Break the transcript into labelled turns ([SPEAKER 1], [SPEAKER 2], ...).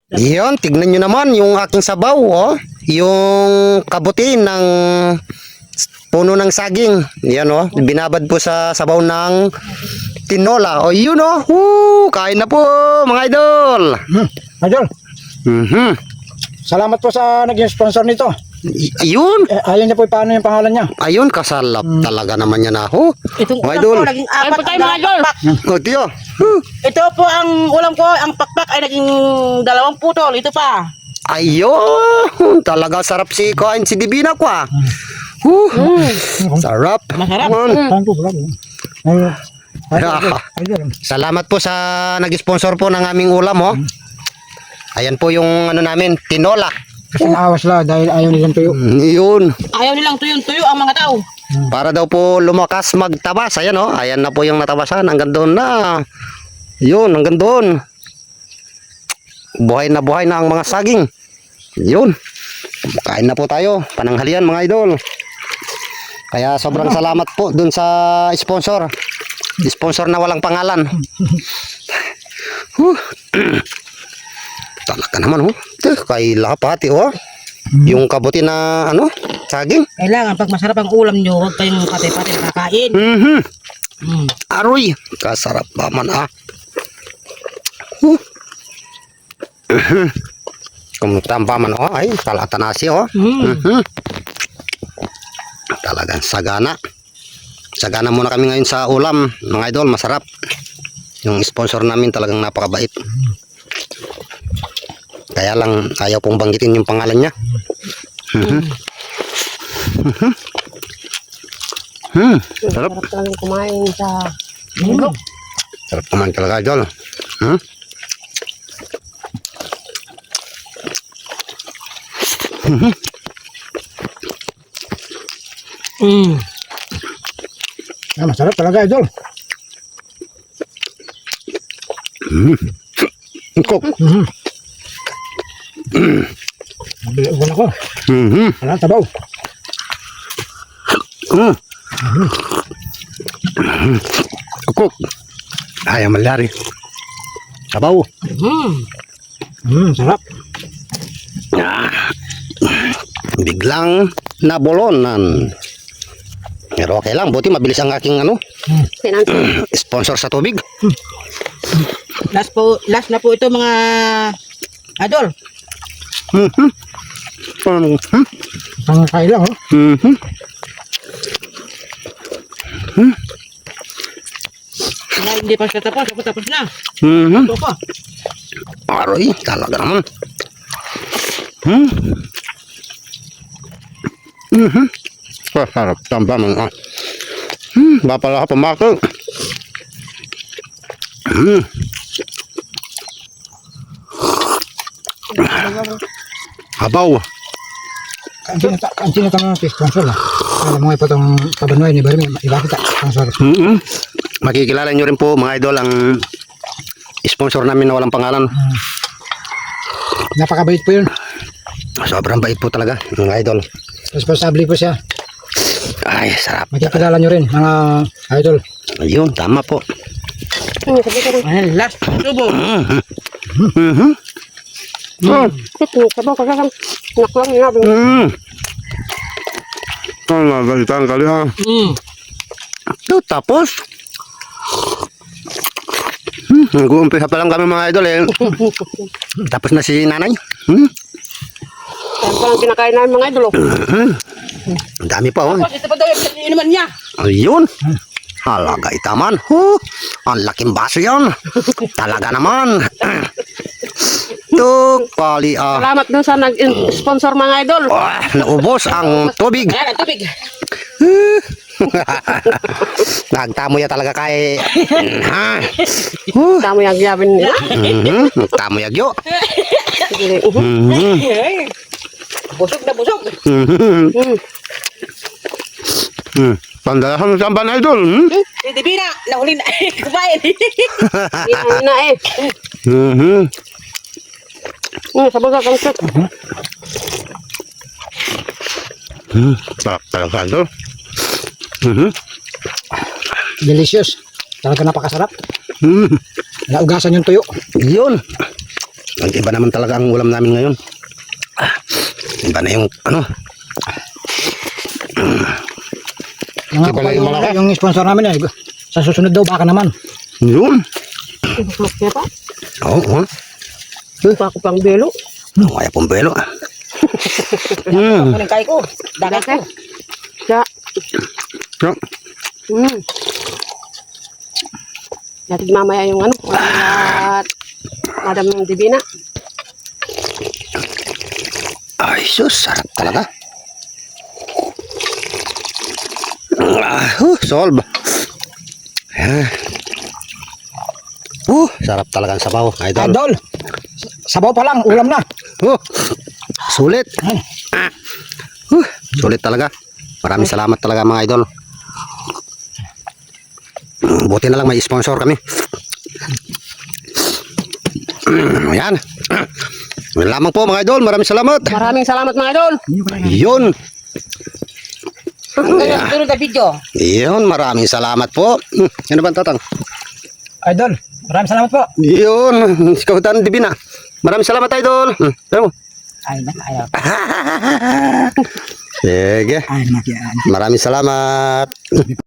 [SPEAKER 1] Yun, tignan nyo naman yung aking sabaw, oh. Yung kabuti ng puno ng saging. Yan, oh. Binabad po sa sabaw ng tinola. O, yun, oh. Kain na po, mga idol.
[SPEAKER 2] Idol,
[SPEAKER 1] Mhm.
[SPEAKER 2] salamat po sa naging sponsor nito.
[SPEAKER 1] Ayun.
[SPEAKER 2] Ayun niya po paano yung pangalan niya.
[SPEAKER 1] Ayun, kasalap talaga naman yan, ah. Oh.
[SPEAKER 3] Itong
[SPEAKER 1] Mga
[SPEAKER 3] ulam
[SPEAKER 1] idol.
[SPEAKER 3] ko, naging apat
[SPEAKER 4] po tayo,
[SPEAKER 3] ang
[SPEAKER 4] mga idol.
[SPEAKER 3] pakpak.
[SPEAKER 1] O, tiyo.
[SPEAKER 3] Ito po ang ulam ko, ang pakpak ay naging 2 putol. Ito pa.
[SPEAKER 1] Ayun. Talaga sarap si kain si Divina ko, ah. Sarap.
[SPEAKER 3] Masarap.
[SPEAKER 2] Saan po pala? Idol.
[SPEAKER 1] Salamat po sa nag-sponsor po ng aming ulam, oh. Ayan po yung ano namin, tinola.
[SPEAKER 2] Kasi naawas lang dahil ayaw nilang tuyo.
[SPEAKER 1] Yun.
[SPEAKER 3] Ayaw nilang tuyo-tuyo ang mga tao.
[SPEAKER 1] Para daw po lumakas magtabas. Ayan, oh. Ayan na po yung natabasan. Hanggang doon na. Yun, hanggang doon. Buhay na ang mga saging. Yun. Kain na po tayo. Pananghalian, mga idol. Kaya sobrang salamat po dun sa sponsor. Sponsor na walang pangalan. Talaga naman, oh. Kay lapati, oh. Yung kabuti na, ano, saging.
[SPEAKER 3] Kailangan pag masarap ang ulam nyo, huwag kayong pati-pati nakakain.
[SPEAKER 1] Aroy. Kasarap naman, ah. Kumutampa man, oh. Ay, talata nasi, oh. Talagang sagana. Sagana muna kami ngayon sa ulam, mga idol. Masarap. Yung sponsor namin talagang napakabait. Kaya lang ayaw pong banggitin yung pangalan niya. Sarap.
[SPEAKER 4] Sarap talagang kumain sa
[SPEAKER 1] Sarap naman talaga, idol.
[SPEAKER 2] Masarap talaga, idol.
[SPEAKER 1] Kok.
[SPEAKER 2] Wala ko. Wala tabaw.
[SPEAKER 1] Kok. Ayaw malari. Sabaw.
[SPEAKER 2] Sarap.
[SPEAKER 1] Biglang nabolonan. Pero okay lang, buti mabilis ang aking ano, sponsor sa tubig.
[SPEAKER 3] Last na po ito mga idol.
[SPEAKER 2] Pangkain lang, oh.
[SPEAKER 3] Kaya hindi pa siya tapos, ako tapos na.
[SPEAKER 1] Mhm.
[SPEAKER 3] Ito pa.
[SPEAKER 1] Aroy, talaga naman. Sarap tambah man. Bapala ka pamako. Habaw.
[SPEAKER 2] Ang sinatang ng sponsor lah. Alam mo po itong pabanuay ni Barmi. Iba kita, sponsor.
[SPEAKER 1] Makikilala nyo rin po, mga idol, ang sponsor namin na walang pangalan.
[SPEAKER 2] Napakabait po yun.
[SPEAKER 1] Sobrang bait po talaga, mga idol.
[SPEAKER 2] Responsable po siya.
[SPEAKER 1] Ay, sarap.
[SPEAKER 2] Makikilala nyo rin, mga idol.
[SPEAKER 1] Ayun, tama po.
[SPEAKER 3] Ayan, last tubo.
[SPEAKER 4] sabaw kasi lang nakulang nga.
[SPEAKER 1] Nagalitan kali ha. Tapos, nag-uumpisa pa lang kami, mga idol, eh. Tapos na si nanay.
[SPEAKER 4] Yan pa lang kinakain namin mga idol.
[SPEAKER 1] Ang dami pa, oh.
[SPEAKER 3] Tapos ito pa daw yung inuman niya.
[SPEAKER 1] Ayun. Halaga itaman. Ang laking baso yan. Talaga naman. Kali
[SPEAKER 4] Salamat dun sa nag-sponsor mga idol.
[SPEAKER 1] naubos ang tubig.
[SPEAKER 3] Ayan, ang tubig.
[SPEAKER 1] Nagtamo ya talaga kay
[SPEAKER 4] Damo yung gyabin nila.
[SPEAKER 1] Tamo yagyo.
[SPEAKER 3] Busog na busog.
[SPEAKER 1] Pandalahan sa ban idol.
[SPEAKER 3] Hindi bina, nahuli na. Kumain.
[SPEAKER 4] Yan na eh. Sabaw ka kang sip.
[SPEAKER 1] Sarap talaga idol.
[SPEAKER 2] Delicious. Talaga napakasarap. Naugasan yung tuyo.
[SPEAKER 1] Yun. Iba naman talaga ang ulam namin ngayon. Iba na yung ano.
[SPEAKER 2] Nangako pa yung sponsor namin eh. Sa susunod daw baka naman.
[SPEAKER 1] Yun.
[SPEAKER 4] Kaya pa?
[SPEAKER 1] Oo.
[SPEAKER 4] Pa ako pang belo.
[SPEAKER 1] Kaya pong belo.
[SPEAKER 3] Kunin kay ko. Dagat ko.
[SPEAKER 4] Kaya,
[SPEAKER 1] So,
[SPEAKER 4] natin mamaya yung ano. At Madam Divina.
[SPEAKER 1] ay, sus, sarap talaga. Solve. Sarap talaga ang sabaw, idol.
[SPEAKER 2] Idol. Sabaw pa lang, ulam na.
[SPEAKER 1] Sulit. Sulit talaga. Maraming salamat talaga mga idol. Buti na lang may sponsor kami. Ayan. Yun lamang po mga idol. Maraming salamat.
[SPEAKER 4] Maraming salamat mga idol.
[SPEAKER 1] Yun.
[SPEAKER 3] Sunod na video.
[SPEAKER 1] Yun. Maraming salamat po. Ano ba tatang?
[SPEAKER 2] Idol, maraming salamat po.
[SPEAKER 1] Yun. Ikaw Dan Divina. Maraming salamat idol. Ano mo?
[SPEAKER 2] Ay, ayaw.
[SPEAKER 1] Sige.
[SPEAKER 2] Ay, nakiyan.
[SPEAKER 1] Maraming salamat.